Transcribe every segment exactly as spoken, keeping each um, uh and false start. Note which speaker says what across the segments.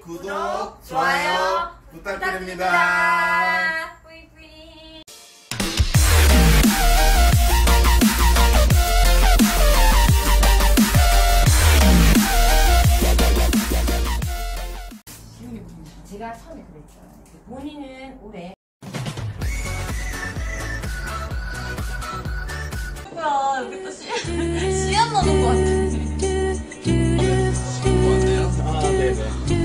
Speaker 1: 구독, 좋아요 부탁드립니다.
Speaker 2: 뿌이뿌이. 제가 처음에 그랬죠. 본인은 올해
Speaker 3: 뭐야, 여기 또 씨, 씨앗 나는 것 같아.
Speaker 1: 아, 네네.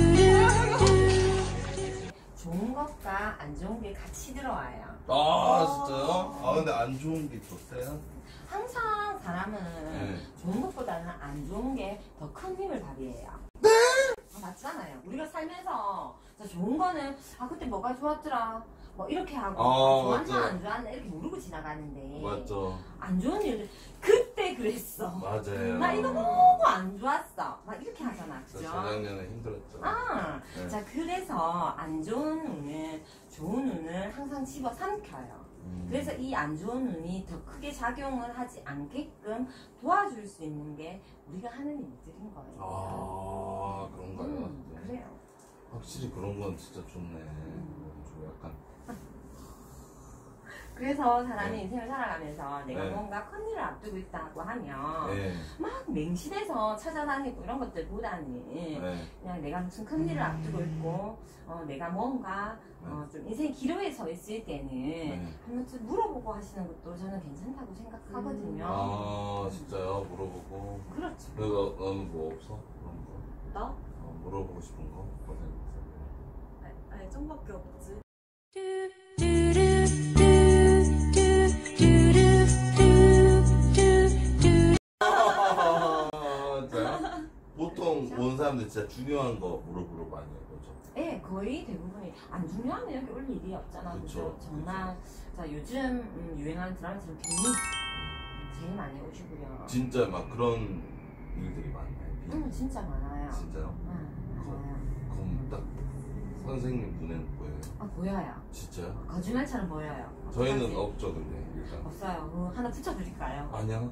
Speaker 2: 좋은 것과 안 좋은 게 같이 들어와요.
Speaker 1: 아, 진짜요? 아, 근데 안 좋은 게 있었어요?
Speaker 2: 항상 사람은
Speaker 1: 네.
Speaker 2: 좋은 것보다는 안 좋은 게 더 큰 힘을 발휘해요.
Speaker 1: 네?
Speaker 2: 아, 맞잖아요. 우리가 살면서 진짜 좋은 거는 아 그때 뭐가 좋았더라 뭐 이렇게 하고
Speaker 1: 아,
Speaker 2: 좋았나
Speaker 1: 맞죠.
Speaker 2: 안 좋았나 이렇게 모르고 지나가는데
Speaker 1: 맞죠.
Speaker 2: 안 좋은 일들 그때 그랬어.
Speaker 1: 맞아요.
Speaker 2: 나 이거 너무 안 좋았어. 막 이렇게 하잖아.
Speaker 1: 저
Speaker 2: 그죠?
Speaker 1: 재작년에 힘들었죠.
Speaker 2: 아,
Speaker 1: 네.
Speaker 2: 자 그래서 안 좋은 운은 좋은 운을 항상 집어삼켜요.
Speaker 1: 음.
Speaker 2: 그래서 이 안 좋은 운이 더 크게 작용을 하지 않게끔 도와줄 수 있는 게 우리가 하는 일들인 거예요.
Speaker 1: 아, 그런가요?
Speaker 2: 음,
Speaker 1: 네.
Speaker 2: 그래요.
Speaker 1: 확실히 그런 건 진짜 좋네. 저 약간.
Speaker 2: 그래서 사람이
Speaker 1: 네.
Speaker 2: 인생을 살아가면서 내가
Speaker 1: 네.
Speaker 2: 뭔가 큰일을 앞두고 있다고 하면
Speaker 1: 네.
Speaker 2: 막 맹신해서 찾아다니고 이런 것들보다는
Speaker 1: 네.
Speaker 2: 그냥 내가 무슨 큰일을 앞두고 있고 어, 내가 뭔가 어, 좀 인생 기로에 서 있을 때는
Speaker 1: 네.
Speaker 2: 한번 좀 물어보고 하시는 것도 저는 괜찮다고 생각하거든요.
Speaker 1: 아, 진짜요? 물어보고.
Speaker 2: 그렇죠.
Speaker 1: 너, 너는 뭐 없어? 그런 거?
Speaker 3: 나?
Speaker 1: 어, 물어보고 싶은 거? 뭐가 있어?
Speaker 3: 아니, 아니, 좀밖에 없지.
Speaker 1: 아, 진짜요? 보통 온 사람들 진짜 중요한 거 물어보러 많이 해요, 그죠?
Speaker 2: 네, 거의 대부분이 안 중요하면 여기 올 일이 없잖아.
Speaker 1: 그쵸,
Speaker 2: 그죠? 정말 자 요즘 음, 유행하는 드라마처럼 빅리 제일 많이 오시고요.
Speaker 1: 진짜 막 그런 일들이 많나요?
Speaker 2: 음, 진짜 많아요.
Speaker 1: 진짜요?
Speaker 2: 응, 많아요.
Speaker 1: 그럼 딱 선생님 눈에는 보여요?
Speaker 2: 아, 보여요.
Speaker 1: 진짜요?
Speaker 2: 거짓말처럼 보여요.
Speaker 1: 저희는
Speaker 2: 어떡하지?
Speaker 1: 없죠, 근데 일단.
Speaker 2: 없어요. 어, 하나 붙여드릴까요?
Speaker 1: 아니요.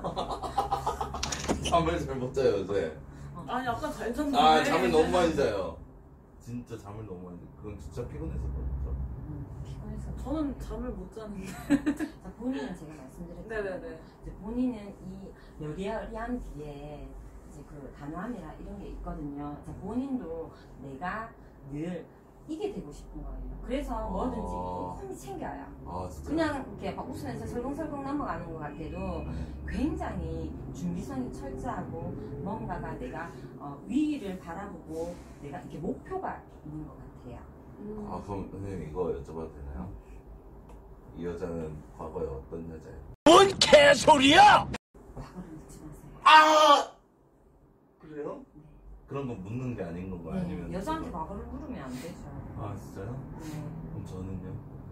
Speaker 1: 잠을 잘 못 자요, 요새.
Speaker 3: 아니, 아까 잘 잤는데.
Speaker 1: 아, 잠을 너무 많이 자요. 진짜 잠을 너무 많이 자요. 그건 진짜 피곤해서 그렇죠.
Speaker 2: 음, 피곤해서.
Speaker 3: 저는 잠을 못 자는데.
Speaker 2: 자, 본인은 제가 말씀드렸죠.
Speaker 3: 네네네.
Speaker 2: 이제 본인은 이 여리여리한 뒤에 이제 그 단호함이나 이런 게 있거든요. 자, 본인도 내가 늘 이게 되고 싶은 거예요. 그래서 뭐든지
Speaker 1: 아.
Speaker 2: 꼼꼼히 챙겨요.
Speaker 1: 아, 진짜.
Speaker 2: 그냥 이렇게 막 웃으면서 설렁설렁 넘어가는 것 같아도 굉장히 준비성이 철저하고 뭔가가 내가 어, 위를 바라보고 내가 이렇게 목표가 있는 것 같아요.
Speaker 3: 음.
Speaker 1: 아, 그럼 선생님 이거 여쭤봐도 되나요? 이 여자는 과거에 어떤 여자예요?
Speaker 4: 뭔 개소리야!
Speaker 2: 과거를 묻지 마세요.
Speaker 1: 아! 그래요?
Speaker 2: 네.
Speaker 1: 그런 거 묻는 게 아닌 건가요?
Speaker 2: 네,
Speaker 1: 아니면
Speaker 2: 여자한테
Speaker 1: 그거-
Speaker 2: 과거를 물으면 안 되죠.
Speaker 1: 아, 진짜요?
Speaker 2: 네.
Speaker 1: 그럼 저는요?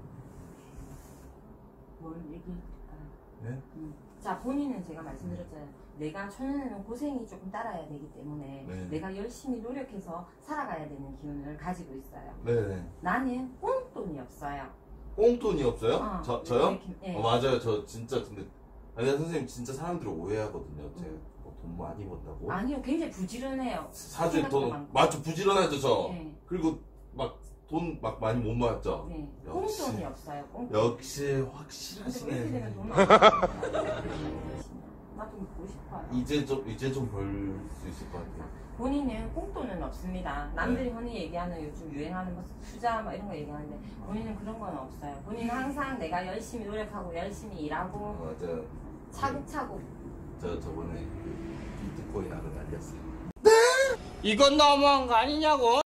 Speaker 2: 뭘 얘기해줄까요?
Speaker 1: 네?
Speaker 2: 음. 자, 본인은 제가 말씀드렸잖아요. 내가 초년에는 고생이 조금 따라야 되기 때문에
Speaker 1: 네.
Speaker 2: 내가 열심히 노력해서 살아가야 되는 기운을 가지고 있어요.
Speaker 1: 네네.
Speaker 2: 나는 꽁돈이 없어요.
Speaker 1: 꽁돈이 없어요?
Speaker 2: 어,
Speaker 1: 저, 저요?
Speaker 2: 이렇게, 예.
Speaker 1: 어, 맞아요. 저 진짜 근데 아니 선생님 진짜 사람들이 오해하거든요. 제가
Speaker 2: 음.
Speaker 1: 뭐 돈 많이 번다고.
Speaker 2: 아니요, 굉장히 부지런해요.
Speaker 1: 사실
Speaker 2: 생각도
Speaker 1: 돈
Speaker 2: 많고.
Speaker 1: 맞죠? 부지런하죠 저.
Speaker 2: 네.
Speaker 1: 그리고 막 돈 막 많이 못 모았죠.
Speaker 2: 네,
Speaker 1: 역시.
Speaker 2: 꽁돈이 없어요. 꽁돈.
Speaker 1: 역시
Speaker 2: 근데 왜 이렇게
Speaker 1: 확실하시네.
Speaker 2: 되면 돈 없어요? 나도 먹고 싶어요.
Speaker 1: 이제 좀 이제 좀 벌 수 있을 것 같아요.
Speaker 2: 본인은 꽁돈은 없습니다. 남들이 흔히 얘기하는 요즘 유행하는 뭐 투자 뭐 이런 거 얘기하는데 본인은 그런 건 없어요. 본인은 항상 내가 열심히 노력하고 열심히 일하고
Speaker 1: 어, 맞아요.
Speaker 2: 차곡차곡.
Speaker 1: 저 저번에 비트코인 하러 날렸어요.
Speaker 4: 이건 너무한 거 아니냐고?